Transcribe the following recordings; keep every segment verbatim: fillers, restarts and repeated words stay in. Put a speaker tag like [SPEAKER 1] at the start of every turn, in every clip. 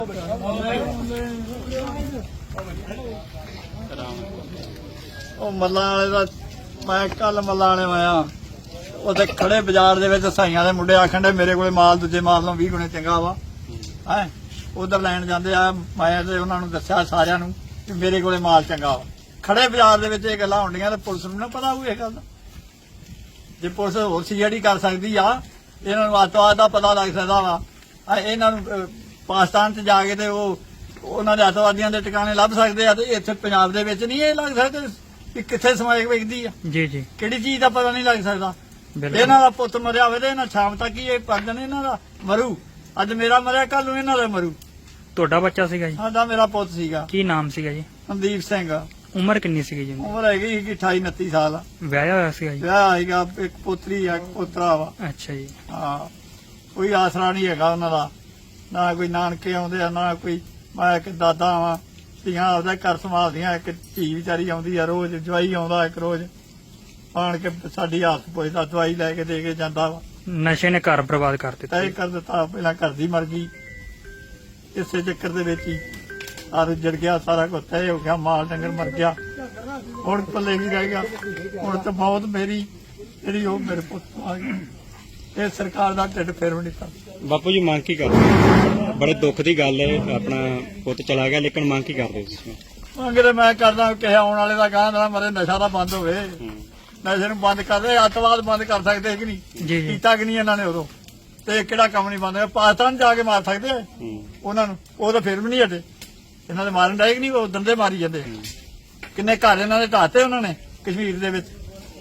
[SPEAKER 1] ਮੱਲਾਂ ਵਾਲੇ ਦਾ ਮੈਂ ਕੱਲ ਮੱਲਾਂ ਵਾਲੇ ਆਇਆ ਉੱਥੇ ਖੜੇ ਬਾਜ਼ਾਰ ਦੇ ਵਿੱਚ ਸਾਈਆਂ ਦੇ ਮੁੰਡੇ ਆਖਣ ਦੇ ਮੇਰੇ ਕੋਲੇ ਮਾਲ ਦੂਜੇ ਮਾਲ ਨਾਲੋਂ ਵੀਹ ਗੁਣੇ ਚੰਗਾ ਵਾ ਹੈ ਉਧਰ ਲੈਣ ਜਾਂਦੇ ਆ। ਮੈਂ ਤੇ ਉਹਨਾਂ ਨੂੰ ਦੱਸਿਆ ਸਾਰਿਆਂ ਨੂੰ ਕਿ ਮੇਰੇ ਕੋਲੇ ਮਾਲ ਚੰਗਾ ਵਾ। ਖੜੇ ਬਾਜ਼ਾਰ ਦੇ ਵਿੱਚ ਇਹ ਗੱਲਾਂ ਹੁੰਦੀਆਂ ਤੇ ਪੁਲਿਸ ਨੂੰ ਨਾ ਪਤਾ ਹੋਊ ਇਹ ਗੱਲ ਦਾ। ਜੇ ਪੁਲਿਸ ਹੋਰ ਸੀਆਈਡੀ ਕਰ ਸਕਦੀ ਆ ਇਹਨਾਂ ਨੂੰ ਅੱਤਵਾਦ ਦਾ ਪਤਾ ਲੱਗ ਸਕਦਾ ਵਾ। ਇਹਨਾਂ ਨੂੰ ਪਾਕਿਸਤਾਨ 'ਚ ਜਾ ਕੇ ਤੇ ਉਹ ਉਹਨਾਂ ਦੇ ਅੱਤਵਾਦੀਆਂ ਦੇ ਟਿਕਾਣੇ ਲੱਭ ਸਕਦੇ ਆ ਤੇ ਇੱਥੇ ਪੰਜਾਬ ਦੇ ਵਿੱਚ ਨਹੀਂ ਇਹ ਲੱਗ ਸਕਦੇ ਕਿ ਕਿੱਥੇ ਸਮਾਇਕ ਵੇਖਦੀ ਆ। ਜੀ ਜੀ ਕਿਹੜੀ ਚੀਜ਼ ਦਾ ਪਤਾ ਨਹੀਂ ਲੱਗ ਸਕਦਾ। ਇਹਨਾਂ ਦਾ ਪੁੱਤ ਮਰਿਆ ਹੋਵੇ ਤੇ ਇਹਨਾਂ ਸ਼ਾਮ ਤੱਕ ਹੀ ਇਹ ਪਰਦਨ ਇਹਨਾਂ ਦਾ ਮਰੂ। ਅੱਜ ਮੇਰਾ ਮਰਿਆ ਕੱਲ ਨੂੰ ਇਹਨਾਂ ਦਾ ਮਰੂ।
[SPEAKER 2] ਤੁਹਾਡਾ ਬੱਚਾ ਸੀਗਾ ਜੀ?
[SPEAKER 1] ਸਾਡਾ ਮੇਰਾ ਪੁੱਤ ਸੀਗਾ।
[SPEAKER 2] ਕੀ ਨਾਮ ਸੀਗਾ ਜੀ?
[SPEAKER 1] ਮਨਦੀਪ ਸਿੰਘ।
[SPEAKER 2] ਉਮਰ ਕਿੰਨੀ ਸੀਗੀ ਜੀ?
[SPEAKER 1] ਉਮਰ ਹੈਗੀ ਸੀ ਅਠਾਈ ਉਨੱਤੀ ਸਾਲ।
[SPEAKER 2] ਵਿਆਹਿਆ ਹੋਇਆ ਸੀਗਾ ਜੀ?
[SPEAKER 1] ਵਿਆਹ ਹੈਗਾ, ਇੱਕ ਪੁੱਤਰੀ ਆ ਇੱਕ ਪੋਤਰਾ ਵਾ।
[SPEAKER 2] ਅੱਛਾ ਜੀ।
[SPEAKER 1] ਹਾਂ ਕੋਈ ਆਸਰਾ ਨਹੀਂ ਹੈਗਾ ਉਹਨਾਂ ਦਾ, ਨਾ ਕੋਈ ਨਾਨਕੇ ਆਉਂਦੇ ਆ ਨਾ ਕੋਈ। ਮੈਂ ਇੱਕ ਦਾਦਾ ਵਾਂ, ਧੀਆਂ ਆਪਦਾ ਘਰ ਸੰਭਾਲਦੀਆਂ। ਇੱਕ ਧੀ ਵਿਚਾਰੀ ਆਉਂਦੀ ਆ ਰੋਜ਼, ਜਵਾਈ ਆਉਂਦਾ ਇੱਕ ਰੋਜ਼ ਆਣ ਕੇ ਸਾਡੀ ਹਾਲਤ ਪੁੱਛਦਾ, ਦਵਾਈ ਲੈ ਕੇ ਦੇ ਕੇ ਜਾਂਦਾ ਵਾ।
[SPEAKER 2] ਨਸ਼ੇ ਨੇ ਘਰ ਬਰਬਾਦ ਕਰ ਦਿੱਤਾ।
[SPEAKER 1] ਤੈਅ ਕਰ ਦਿੱਤਾ, ਪਹਿਲਾਂ ਘਰ ਦੀ ਮਰ ਗਈ ਇਸੇ ਚੱਕਰ ਦੇ ਵਿੱਚ ਹੀ। ਆਰ ਜੜ ਗਿਆ, ਸਾਰਾ ਕੁਝ ਤੈਅ ਹੋ ਗਿਆ, ਮਾਲ ਡੰਗਰ ਮਰ ਗਿਆ। ਹੁਣ ਪੱਲੇ ਕੀ ਰਹਿ ਗਿਆ? ਹੁਣ ਤਾਂ ਬਹੁਤ ਮੇਰੀ ਜਿਹੜੀ ਉਹ ਮੇਰੇ ਪੁੱਤ ਆ ਗਈ। ਇਹ ਸਰਕਾਰ ਦਾ ਢਿੱਡ ਫੇਰ ਵੀ ਨਹੀਂ ਕਰਦਾ।
[SPEAKER 3] ਬਾਪੂ ਜੀ ਮੰਗ ਕੀ ਕਰਦੇ? ਬੜੇ ਦੁੱਖ ਦੀ ਗੱਲ ਹੈ, ਆਪਣਾ ਪੁੱਤ ਚਲਾ ਗਿਆ, ਲੇਕਿਨ ਮੰਗ ਕੀ ਕਰਦੇ ਤੁਸੀਂ?
[SPEAKER 1] ਮੰਗ ਤੇ ਮੈਂ ਕਰਦਾ ਕਿ ਆਉਣ ਵਾਲੇ ਦਾ ਕਹਿੰਦਾ ਮਰੇ ਨਸ਼ਾ ਦਾ ਬੰਦ ਹੋਵੇ। ਨਸ਼ੇ ਨੂੰ ਬੰਦ ਕਰਦੇ, ਅੱਤਵਾਦ ਬੰਦ ਕਰ ਸਕਦੇ ਕਿ ਨਹੀਂ? ਕੀਤਾ ਕਿ ਨਹੀਂ ਇਹਨਾਂ ਨੇ ਉਦੋਂ? ਤੇ ਕਿਹੜਾ ਕੰਮ ਨਹੀਂ ਬੰਦ ਹੋਇਆ? ਪਾਕਿਸਤਾਨ ਜਾ ਕੇ ਮਾਰ ਸਕਦੇ ਆ ਉਹਨਾਂ ਨੂੰ, ਉਹ ਤਾਂ ਫਿਰ ਵੀ ਨਹੀਂ ਹਟੇ। ਇਹਨਾਂ ਦੇ ਮਾਰਨ ਡਾਇਕ ਨਹੀਂ, ਉਹ ਦੰਦੇ ਮਾਰੀ ਜਾਂਦੇ। ਕਿੰਨੇ ਘਰ ਇਹਨਾਂ ਦੇ ਢਾਤੇ ਉਹਨਾਂ ਨੇ ਕਸ਼ਮੀਰ ਦੇ ਵਿੱਚ।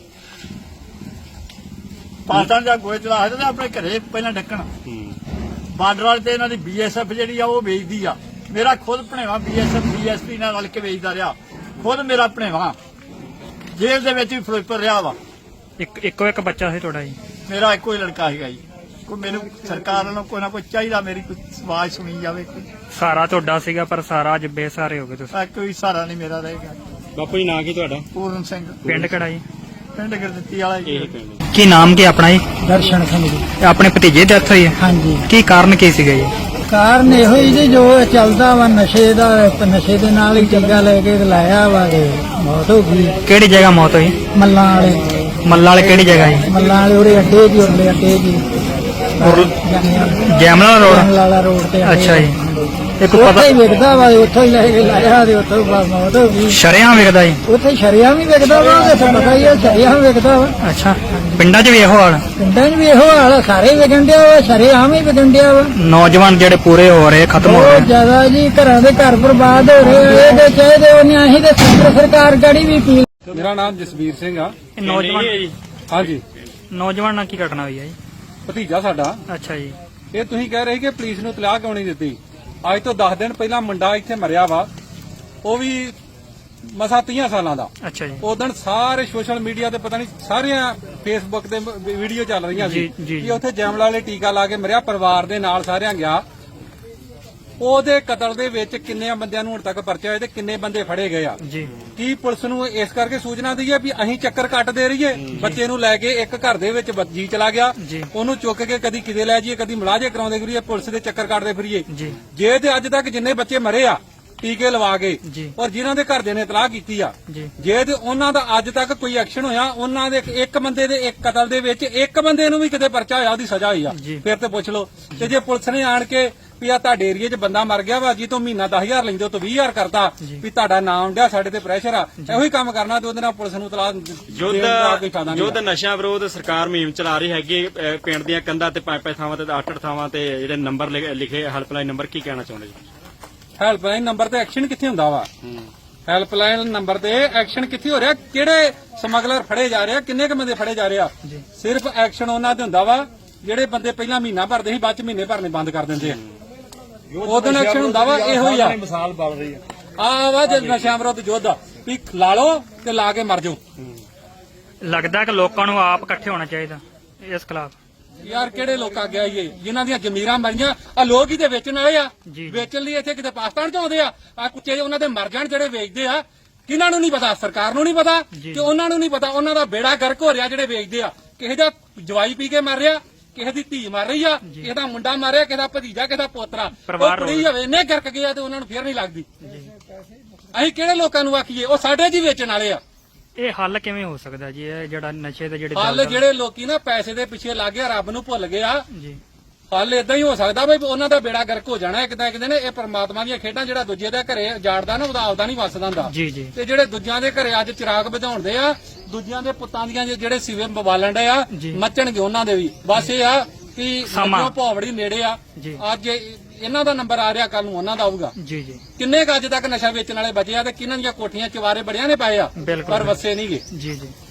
[SPEAKER 1] ਪਾਕਿਸਤਾਨ ਜਾ ਗੋਏ ਚਲਾ ਸਕਦੇ ਆਪਣੇ ਘਰੇ ਪਹਿਲਾਂ ਡੱਕਣ। ਬਾਰਡਰ ਵਾਲੇ ਤੇ ਇਹਨਾਂ ਦੀ ਬੀਐਸਐਫ ਜਿਹੜੀ ਆ ਉਹ ਵੇਚਦੀ ਆ। ਮੇਰਾ ਖੁਦ ਭਣੇਵਾ ਬੀਐਸਐਫ ਬੀਐਸਪੀ ਨਾਲ ਰਲ ਕੇ ਵੇਚਦਾ ਰਿਹਾ। ਖੁਦ ਮੇਰਾ ਭਣੇਵਾ ਜੇਲ੍ਹ ਦੇ ਵਿੱਚ ਵੀ ਫਿਰੋਜ਼ਪੁਰ ਰਿਹਾ ਵਾ।
[SPEAKER 2] ਇੱਕ ਇੱਕੋ ਇੱਕ ਬੱਚਾ ਸੀ ਤੁਹਾਡਾ ਜੀ?
[SPEAKER 1] ਮੇਰਾ ਇੱਕੋ ਹੀ ਲੜਕਾ ਸੀਗਾ ਜੀ। ਕੋਈ ਮੈਨੂੰ ਸਰਕਾਰ ਵੱਲੋਂ ਕੋਈ ਨਾ ਕੋਈ ਚਾਹੀਦਾ, ਮੇਰੀ ਕੋਈ ਆਵਾਜ਼ ਸੁਣੀ ਜਾਵੇ। ਕੋਈ
[SPEAKER 2] ਸਾਰਾ ਤੁਹਾਡਾ ਸੀਗਾ ਪਰ ਸਾਰਾ ਅੱਜ ਬੇਸਹਾਰੇ ਹੋ ਗਏ ਤੁਸੀਂ।
[SPEAKER 1] ਕੋਈ ਸਹਾਰਾ ਨਹੀਂ ਮੇਰਾ ਰਹੇਗਾ।
[SPEAKER 3] ਬਾਪੂ ਜੀ ਨਾਂ ਕੀ ਤੁਹਾਡਾ?
[SPEAKER 1] ਪੂਰਨ ਸਿੰਘ।
[SPEAKER 2] ਪਿੰਡ ਕਿਹੜਾ ਜੀ?
[SPEAKER 1] ਪਿੰਡ ਗੁਰਦਿੱਤੀ ਵਾਲਾ ਜੀ।
[SPEAKER 2] ਕੀ ਨਾਮ ਕੀ ਆਪਣਾ ਜੀ?
[SPEAKER 4] ਦਰਸ਼ਨ ਸਿੰਘ ਜੀ।
[SPEAKER 2] ਆਪਣੇ ਭਤੀਜੇ ਦੀ ਡੈਥ ਹੋਈ ਹੈ?
[SPEAKER 4] ਹਾਂਜੀ।
[SPEAKER 2] ਕੀ ਕਾਰਨ ਕੀ ਸੀਗਾ ਜੀ?
[SPEAKER 4] ਕਾਰਨ ਇਹੋ ਹੀ ਜੀ ਜੋ ਚੱਲਦਾ ਵਾ ਨਸ਼ੇ ਦਾ, ਨਸ਼ੇ ਦੇ ਨਾਲ ਹੀ ਜੱਗਾ ਲੈ ਕੇ ਲਾਇਆ ਵਾ ਤੇ ਮੌਤ ਹੋ ਗਈ।
[SPEAKER 2] ਕਿਹੜੀ ਜਗ੍ਹਾ ਮੌਤ ਹੋਈ?
[SPEAKER 4] ਮੱਲਾਂ ਵਾਲੇ।
[SPEAKER 2] ਮੱਲਾਂ ਵਾਲੇ ਕਿਹੜੀ ਜਗ੍ਹਾ ਜੀ?
[SPEAKER 4] ਮੱਲਾਂ ਵਾਲੇ ਉਹਦੇ ਅੱਡੇ ਜੀ, ਉਹਦੇ ਅੱਡੇ ਜੀ
[SPEAKER 2] ਜੈਮਲਾ ਰੋਡ
[SPEAKER 4] ਵਾਲਾ ਰੋਡ ਤੇ।
[SPEAKER 2] ਅੱਛਾ ਜੀ। ਇੱਕ
[SPEAKER 4] ਉੱਥੇ
[SPEAKER 2] ਪਤਾ
[SPEAKER 4] ਹੀ ਵਿਕਦਾ ਵਾ, ਉੱਥੋਂ ਹੀ ਲੈ ਕੇ ਲਾਇਆ ਤੇ ਉੱਥੋਂ ਮੌਤ ਹੋ ਗਈ।
[SPEAKER 2] ਸ਼ਰੇਆਮ ਵਿਕਦਾ ਜੀ?
[SPEAKER 4] ਉੱਥੇ ਸ਼ਰਿਆਮ ਵੀ ਵਿਕਦਾ ਵਾ, ਤੇ ਪਤਾ ਹੀ ਹੈ ਸ਼ਰਿਆਮ ਵਿਕਦਾ ਵਾ।
[SPEAKER 2] ਅੱਛਾ, ਪਿੰਡਾਂ 'ਚ ਵੀ ਇਹੋ ਹਾਲ?
[SPEAKER 4] ਪਿੰਡਾਂ 'ਚ ਵੀ ਇਹੋ ਹਾਲ, ਸਾਰੇ ਵਿਕਣ ਡਿਆ ਵਾ, ਸ਼ਰਿਆਮ ਹੀ ਵਿਕਣ ਡਿਆ ਵਾ।
[SPEAKER 2] ਨੌਜਵਾਨ ਜਿਹੜੇ ਪੂਰੇ ਹੋ ਰਹੇ, ਖਤਮ ਹੋ
[SPEAKER 4] ਬਹੁਤ
[SPEAKER 2] ਰਹੇ।
[SPEAKER 4] ਜ਼ਿਆਦਾ ਜੀ, ਘਰਾਂ ਦੇ ਘਰ ਬਰਬਾਦ ਹੋ ਰਹੇ। ਇਹਦੇ ਚਾਹੀਦੇ ਉਹਨੇ ਅਸੀਂ ਤੇ ਕੇਂਦਰ ਸਰਕਾਰ ਗੜੀ ਵੀ ਪੀ।
[SPEAKER 5] ਮੇਰਾ ਨਾਮ ਜਸਵੀਰ ਸਿੰਘ ਆ।
[SPEAKER 2] ਨੌਜਵਾਨ?
[SPEAKER 5] ਹਾਂਜੀ।
[SPEAKER 2] ਨੌਜਵਾਨ ਨਾਲ ਕੀ ਘਟਨਾ ਹੋਈ ਹੈ ਜੀ?
[SPEAKER 5] ਭਤੀਜਾ ਸਾਡਾ।
[SPEAKER 2] ਅੱਛਾ ਜੀ।
[SPEAKER 5] ਇਹ ਤੁਸੀਂ ਕਹਿ ਰਹੇ ਕਿ ਪੁਲਿਸ ਨੂੰ ਤਲਾਹ ਕਿਉਂ ਨਹੀਂ ਦਿੱਤੀ? ਅੱਜ ਤੋਂ ਦਸ ਦਿਨ ਪਹਿਲਾਂ ਮੁੰਡਾ ਇੱਥੇ ਮਰਿਆ ਵਾ, ਉਹ ਵੀ ਮਸਾ ਤੀਹ ਸਾਲਾਂ ਦਾ।
[SPEAKER 2] ਅੱਛਾ ਜੀ।
[SPEAKER 5] ਉਦੋਂ ਸਾਰੇ ਸੋਸ਼ਲ ਮੀਡੀਆ ਤੇ ਪਤਾ ਨਹੀਂ ਸਾਰੀਆਂ ਫੇਸਬੁੱਕ ਤੇ ਵੀਡੀਓ ਚੱਲ ਰਹੀਆਂ ਸੀ ਕਿ ਉੱਥੇ ਜੈਮਲਾ ਵਾਲੇ ਟੀਕਾ ਲਾ ਕੇ ਮਰਿਆ, ਪਰਿਵਾਰ ਦੇ ਨਾਲ ਸਾਰਿਆਂ ਗਿਆ। ਉਹਦੇ ਕਤਲ ਦੇ ਵਿੱਚ ਕਿੰਨੇ ਬੰਦਿਆਂ ਨੂੰ ਹੁਣ ਤੱਕ ਪਰਚੇ ਹੋਏ ਤੇ ਕਿੰਨੇ ਬੰਦੇ ਫੜੇ ਗਏ ਆ?
[SPEAKER 2] ਜੀ।
[SPEAKER 5] ਕੀ ਪੁਲਿਸ ਨੂੰ ਇਸ ਕਰਕੇ ਸੂਚਨਾ ਦਈਏ ਵੀ ਅਸੀਂ ਚੱਕਰ ਕੱਟ ਦੇ ਰਹੀਏ? ਬੱਚੇ ਨੂੰ ਲੈ ਕੇ ਇੱਕ ਘਰ ਦੇ ਵਿੱਚ ਜੀ ਚਲਾ ਗਿਆ, ਉਹਨੂੰ ਚੁੱਕ ਕੇ ਕਦੀ ਕਿਤੇ ਲੈ ਜਾਈਏ, ਕਦੀ ਮੁਲਾਜ਼ੇ ਕਰਾਉਂਦੇ ਫਿਰੀਏ, ਪੁਲਿਸ ਦੇ ਚੱਕਰ ਕੱਟਦੇ ਫਿਰੀਏ। ਜੇ ਤੇ ਅੱਜ ਤੱਕ ਜਿੰਨੇ ਬੱਚੇ ਮਰੇ ਆ ਟੀਕੇ ਲਵਾ ਕੇ ਔਰ ਜਿਨ੍ਹਾਂ ਦੇ ਘਰਦਿਆਂ ਨੇ ਇਤਲਾਹ ਕੀਤੀ ਆ, ਜੇ ਤੇ ਉਹਨਾਂ ਦਾ ਅੱਜ ਤੱਕ ਕੋਈ ਐਕਸ਼ਨ ਹੋਇਆ, ਉਹਨਾਂ ਦੇ ਇੱਕ ਬੰਦੇ ਦੇ ਇੱਕ ਕਤਲ ਦੇ ਵਿੱਚ ਇੱਕ ਬੰਦੇ ਨੂੰ ਵੀ ਕਿਤੇ ਪਰਚਾ ਹੋਇਆ, ਉਹਦੀ ਸਜ਼ਾ ਹੋਈ ਆ, ਫਿਰ ਤੇ ਪੁੱਛ ਲਓ। ਤੇ ਜੇ ਪੁਲਿਸ ਨੇ ਆਣ ਕੇ ਵੀ ਆ ਤੁਹਾਡੇ ਏਰੀਏ 'ਚ ਬੰਦਾ ਮਰ ਗਿਆ ਵਾ ਜੀ, ਤੋਂ ਮਹੀਨਾ ਦਸ ਹਜ਼ਾਰ ਲੈਂਦੇ ਹੋ ਤੋਂ ਵੀਹ ਹਜ਼ਾਰ ਕਰਤਾ ਵੀ ਤੁਹਾਡਾ ਨਾਮ ਡਿਆ, ਸਾਡੇ ਤੇ ਪ੍ਰੈਸ਼ਰ ਆ, ਇਹੋ ਹੀ ਕੰਮ ਕਰਨਾ ਤੇ ਉਹਦੇ ਨਾਲ ਪੁਲਿਸ ਨੂੰ ਤਲਾਹ
[SPEAKER 3] ਯੁੱਧ ਯੁੱਧ ਨਸ਼ਿਆਂ ਵਿਰੋਧ ਸਰਕਾਰ ਮੁਹਿੰਮ ਚਲਾ ਰਹੀ ਹੈਗੀ। ਪਿੰਡ ਦੀਆਂ ਕੰਧਾਂ ਤੇ ਪੰਜ ਪੰਜ ਥਾਵਾਂ ਤੇ ਅੱਠ ਅੱਠ ਥਾਵਾਂ ਤੇ ਜਿਹੜੇ ਨੰਬਰ ਲਿਖੇ ਹੈਲਪਲਾਈਨ ਨੰਬਰ, ਕੀ ਕਹਿਣਾ ਚਾਹੁੰਦੇ ਜੀ?
[SPEAKER 5] ਹੈਲਪਲਾਈਨ ਨੰਬਰ ਤੇ ਐਕਸ਼ਨ ਕਿੱਥੇ ਹੁੰਦਾ ਵਾ? ਹੈਲਪਲਾਈਨ ਨੰਬਰ ਤੇ ਐਕਸ਼ਨ ਕਿੱਥੇ ਹੋ ਰਿਹਾ? ਕਿਹੜੇ ਸਮਗਲਰ ਫੜੇ ਜਾ ਰਹੇ ਆ? ਕਿੰਨੇ ਕ ਬੰਦੇ ਫੜੇ ਜਾ ਰਹੇ ਆ? ਸਿਰਫ ਐਕਸ਼ਨ ਉਹਨਾਂ ਤੇ ਹੁੰਦਾ ਵਾ ਜਿਹੜੇ ਬੰਦੇ ਪਹਿਲਾਂ ਮਹੀਨਾ ਭਰਦੇ ਸੀ, ਬਾਅਦ ਚ ਮਹੀਨੇ ਭਰਨੇ ਬੰਦ ਕਰ ਦਿੰਦੇ ਆ। ਉਦੋਂ ਐਕਸ਼ਨ ਹੁੰਦਾ ਵਾ, ਇਹੋ ਹੀ ਆ।
[SPEAKER 1] ਮਿਸਾਲ ਬਣ ਰਹੀ ਆ
[SPEAKER 5] ਆ ਵਾ ਜੇ ਨਸ਼ਿਆਂ ਵਿਰੁੱਧ ਯੁੱਧ ਵੀ ਲਾ ਲਓ ਤੇ ਲਾ ਕੇ ਮਰ ਜਾਓ।
[SPEAKER 2] ਲੱਗਦਾ ਕਿ ਲੋਕਾਂ ਨੂੰ ਆਪ ਇਕੱਠੇ ਹੋਣਾ ਚਾਹੀਦਾ ਇਸ ਖਿਲਾਫ।
[SPEAKER 5] ਯਾਰ ਕਿਹੜੇ ਲੋਕ ਆ ਗਿਆ ਇਹ ਜਿਨ੍ਹਾਂ ਦੀਆਂ ਜ਼ਮੀਰਾਂ ਮਰੀਆਂ? ਆ ਲੋਕ ਹੀ ਤੇ ਵੇਚਣ ਵਾਲੇ ਆ। ਵੇਚਣ ਲਈ ਇੱਥੇ ਕਿਤੇ ਪਾਕਿਸਤਾਨ ਚ ਆਉਂਦੇ ਆ। ਆ ਕੁੱਤੇ ਉਹਨਾਂ ਦੇ ਮਰ ਜਾਣ ਜਿਹੜੇ ਵੇਚਦੇ ਆ, ਕਿਹਨਾਂ ਨੂੰ ਨਹੀਂ ਪਤਾ? ਸਰਕਾਰ ਨੂੰ ਨਹੀਂ ਪਤਾ ਕਿ ਉਹਨਾਂ ਨੂੰ ਨਹੀਂ ਪਤਾ। ਉਹਨਾਂ ਦਾ ਬੇੜਾ ਗਰਕ ਹੋ ਰਿਹਾ ਜਿਹੜੇ ਵੇਚਦੇ ਆ। ਕਿਸੇ ਦਾ ਜਵਾਈ ਪੀ ਕੇ ਮਰ ਰਿਹਾ, ਕਿਸੇ ਦੀ ਧੀ ਮਰ ਰਹੀ ਆ, ਕਿਸੇ ਦਾ ਮੁੰਡਾ ਮਾਰਿਆ, ਕਿਸੇ ਦਾ ਭਤੀਜਾ, ਕਿਸੇ ਦਾ ਪੋਤਰਾ, ਉਹ
[SPEAKER 2] ਪਰਿਵਾਰ
[SPEAKER 5] ਕੁੜੀ ਹੋਵੇ ਇੰਨੇ ਗਰਕ ਗਿਆ ਤੇ ਉਹਨਾਂ ਨੂੰ ਫੇਰ ਨਹੀਂ ਲੱਗਦੀ। ਅਸੀਂ ਕਿਹੜੇ ਲੋਕਾਂ ਨੂੰ ਆਖੀਏ? ਉਹ ਸਾਡੇ ਜੀ ਵੇਚਣ ਵਾਲੇ ਆ।
[SPEAKER 2] ਇਹ ਹੱਲ ਕਿਵੇਂ ਹੋ ਸਕਦਾ ਜੀ, ਇਹ ਜਿਹੜਾ ਨਸ਼ੇ ਦੇ ਜਿਹੜੇ
[SPEAKER 5] ਹੱਲ
[SPEAKER 2] ਦਲਦਲ-
[SPEAKER 5] ਜਿਹੜੇ ਲੋਕੀ ਨਾ ਪੈਸੇ ਦੇ ਪਿੱਛੇ ਲੱਗ ਗਿਆ, ਰੱਬ ਨੂੰ ਭੁੱਲ ਗਏ ਆ।
[SPEAKER 2] ਜੀ
[SPEAKER 5] ਹੱਲ ਇਦਾਂ ਹੀ ਹੋ ਸਕਦਾ ਬਈ ਉਹਨਾਂ ਦਾ ਬੇੜਾ ਗਰਕ ਹੋ ਜਾਣਾ ਇੱਕ ਤਾਂ ਇੱਕ ਦਿਨ। ਇਹ ਪਰਮਾਤਮਾ ਦੀਆਂ ਖੇਡਾਂ, ਜਿਹੜਾ ਦੂਜੇ ਦੇ ਘਰੇ ਜਾੜਦਾ ਨਾ ਉਹਦਾ ਆਪਦਾ ਨਹੀਂ ਵਸਦਾ ਹੁੰਦਾ।
[SPEAKER 2] ਜੀ ਜੀ
[SPEAKER 5] ਤੇ ਜਿਹੜੇ ਦੂਜਿਆਂ ਦੇ ਘਰੇ ਅੱਜ ਚਿਰਾਗ ਵਧਾਉਂਦੇ ਆ, ਦੂਜਿਆਂ ਦੇ ਪੁੱਤਾਂ ਦੀਆਂ ਜਿਹੜੇ ਸਿਵੇ ਬਵਾਲਣ ਦੇ ਆ,
[SPEAKER 2] ਜੀ।
[SPEAKER 5] ਮੱਚਣਗੇ ਉਹਨਾਂ ਦੇ ਵੀ। ਬਸ ਇਹ ਆ ਕਿ
[SPEAKER 2] ਸਮਾਂ।
[SPEAKER 5] ਮੱਝੋਂ ਭੌਵੜੀ ਨੇੜੇ ਆ।
[SPEAKER 2] ਜੀ।
[SPEAKER 5] ਅੱਜ ਇਹਨਾਂ ਦਾ ਨੰਬਰ ਆ ਰਿਹਾ, ਕੱਲ ਨੂੰ ਉਹਨਾਂ ਦਾ ਆਊਗਾ।
[SPEAKER 2] ਜੀ ਜੀ
[SPEAKER 5] ਕਿੰਨੇ ਕੁ ਅੱਜ ਤੱਕ ਨਸ਼ਾ ਵੇਚਣ ਵਾਲੇ ਬਚੇ ਆ ਤੇ ਕਿਹਨਾਂ ਦੀਆਂ ਕੋਠੀਆਂ ਚਵਾਰੇ ਬੜਿਆਂ ਨੇ ਪਾਏ ਆ,
[SPEAKER 2] ਬਿਲਕੁਲ।
[SPEAKER 5] ਪਰ ਵਸੇ ਨਹੀਂਗੇ।
[SPEAKER 2] ਜੀ ਜੀ